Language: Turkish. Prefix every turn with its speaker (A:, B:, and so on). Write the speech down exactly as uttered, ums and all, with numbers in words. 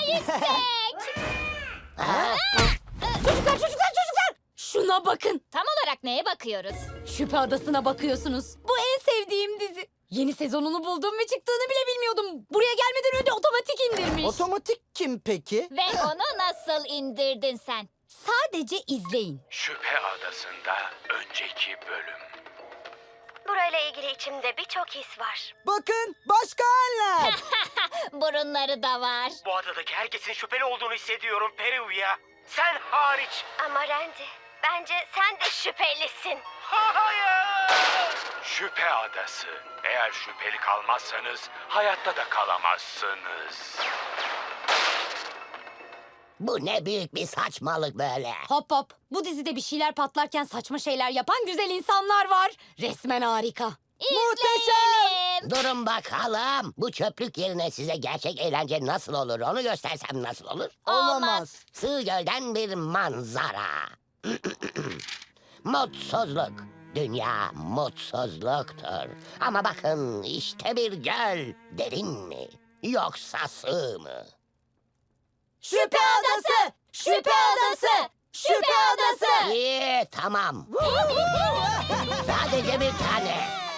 A: yüksek.
B: Çocuklar, çocuklar, çocuklar! Şuna bakın.
A: Tam olarak neye bakıyoruz?
B: Şüphe Adası'na bakıyorsunuz. Bu en sevdiğim dizi. Yeni sezonunu buldum ve çıktığını bile bilmiyordum. Buraya gelmeden önce otomatik indirmiş.
C: Otomatik kim peki?
A: Ve onu nasıl indirdin sen?
B: Sadece izleyin.
D: Şüphe Adası'nda önceki bölüm.
E: Burayla ilgili içimde birçok his var.
C: Bakın başka haller.
A: Burunları da var.
D: Bu adadaki herkesin şüpheli olduğunu hissediyorum Peruviya. Sen hariç.
E: Ama Randy, bence sen de şüphelisin.
D: Hayır! Şüphe Adası. Eğer şüpheli kalmazsanız hayatta da kalamazsınız.
F: Bu ne büyük bir saçmalık böyle.
B: Hop hop. Bu dizide bir şeyler patlarken saçma şeyler yapan güzel insanlar var. Resmen harika.
A: İzleyelim.
F: Durun bakalım. Bu çöplük yerine size gerçek eğlence nasıl olur onu göstersem nasıl olur?
A: Olmaz.
F: Sığ gölden bir manzara. Mutsuzluk. Dünya mutsuzluktur. Ama bakın işte bir göl. Derin mi? Yoksa sığ mı?
B: Şüphe Adası! Şüphe Adası! Şüphe Adası!
F: İyi tamam. Sadece bir tane.